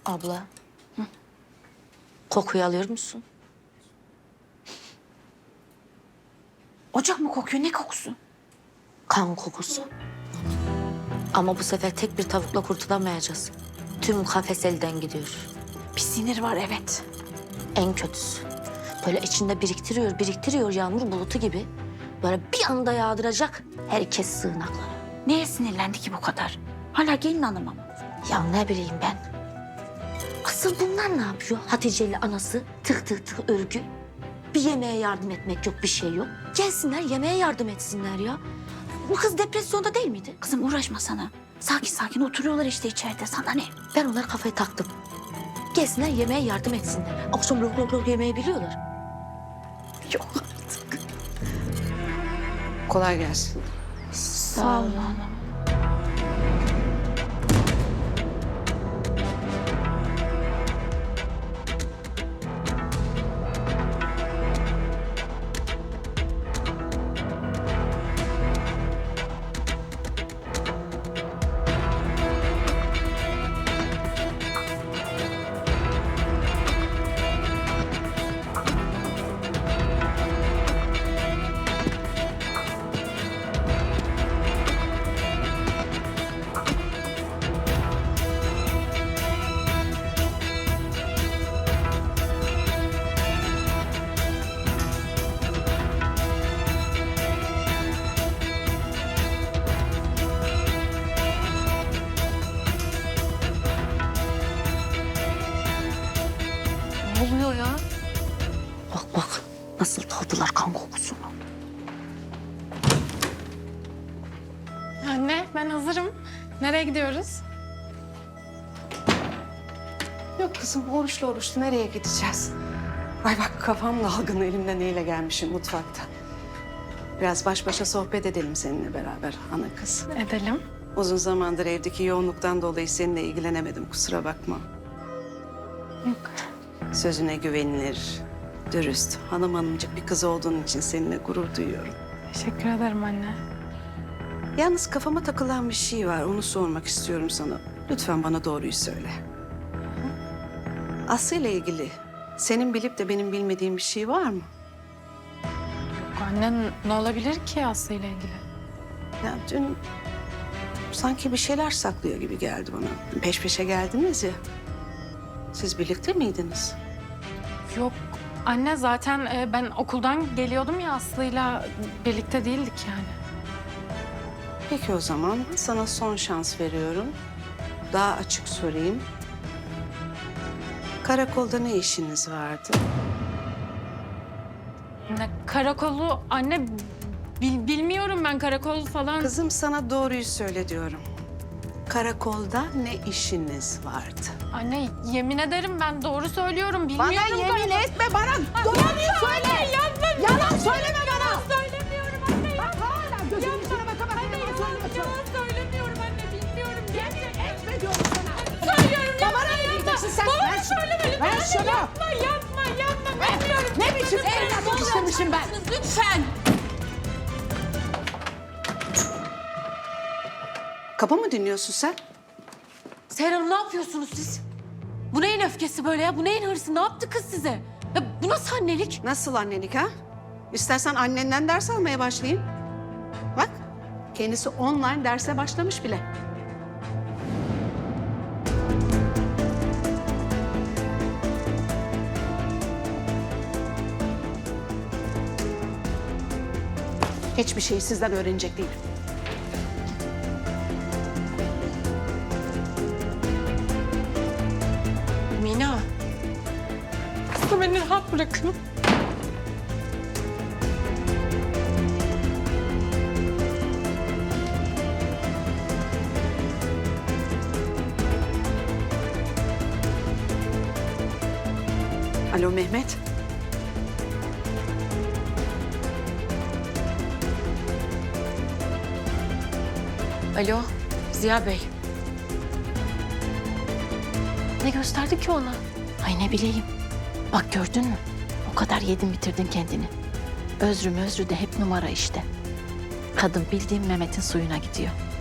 Abla. Kokuyu alıyor musun? Ocak mı kokuyor? Ne kokusu? Kan kokusu. Ama bu sefer tek bir tavukla kurtulamayacağız. Tüm kafes elden gidiyor. Bir sinir var evet. En kötüsü. Böyle içinde biriktiriyor yağmur bulutu gibi. Böyle bir anda yağdıracak herkes sığınaklara. Neye sinirlendi ki bu kadar? Hala gelin hanım ama. Ya ne bileyim ben. Asıl bunlar ne yapıyor? Hatice ile anası tık tık tık örgü. Bir yemeğe yardım etmek yok, bir şey yok. Gelsinler yemeğe yardım etsinler ya. Bu kız depresyonda değil miydi? Kızım uğraşma sana. Sakin sakin oturuyorlar işte içeride. Sana ne? Ben onlara kafayı taktım. Gelsinler yemeğe yardım etsinler. Akşam lok lok lok yemeği biliyorlar. Yok artık. Kolay gelsin. Sağ ol hanım. Ne oluyor ya? Bak bak nasıl tavdılar kan kokusunu. Anne, ben hazırım. Nereye gidiyoruz? Yok kızım, oruçlu oruçlu nereye gideceğiz? Ay bak kafam dalgın, elimden neyle gelmişim mutfakta. Biraz baş başa sohbet edelim seninle beraber ana kız. Edelim. Uzun zamandır evdeki yoğunluktan dolayı seninle ilgilenemedim, kusura bakma. Yok. Sözüne güvenilir, dürüst, hanımcık bir kız olduğun için seninle gurur duyuyorum. Teşekkür ederim anne. Yalnız kafama takılan bir şey var, onu sormak istiyorum sana. Lütfen bana doğruyu söyle. Aslı ile ilgili senin bilip de benim bilmediğim bir şey var mı? Yok anne, ne olabilir ki Aslı ile ilgili? Ya dün sanki bir şeyler saklıyor gibi geldi bana. Peş peşe geldiniz ya. Siz birlikte miydiniz? Yok anne, zaten ben okuldan geliyordum ya, Aslı'yla birlikte değildik yani. Peki o zaman sana son şans veriyorum. Daha açık sorayım. Karakolda ne işiniz vardı? Ne karakolu anne, bilmiyorum ben karakol falan. Kızım sana doğruyu söyle diyorum. Karakolda ne işiniz vardı? Anne yemin ederim ben doğru söylüyorum, bilmiyorum. etme bana. Doğruyu söyle. Yalan söyleme bana. Söylemiyorum anne. Hala gözümün içine baka baka yalan söylüyorsun. Yalan söylemiyorum anne, bilmiyorum. Yemin etme diyorum sana. Söylüyorum, Babana ne diyeceksin sen? Babama Ver şunu. söylemeli. Ver şunu. Yapma, bilmiyorum. Ne biçim evlatlık istemişim ben? Lütfen. Kapı mı dinliyorsun sen? Seher Hanım ne yapıyorsunuz siz? Bu neyin öfkesi böyle ya? Bu neyin hırsı? Ne yaptı kız size? Ya bu nasıl annelik? Nasıl annelik ha? İstersen annenden ders almaya başlayayım. Bak, kendisi online derse başlamış bile. Hiçbir şeyi sizden öğrenecek değilim. Mina. Aslı beni rahat bırakın. Alo Mehmet. Alo Ziya Bey. Ne gösterdi ki ona? Ay ne bileyim. Bak gördün mü? O kadar yedin bitirdin kendini. Özrü de hep numara işte. Kadın bildiğin Mehmet'in suyuna gidiyor.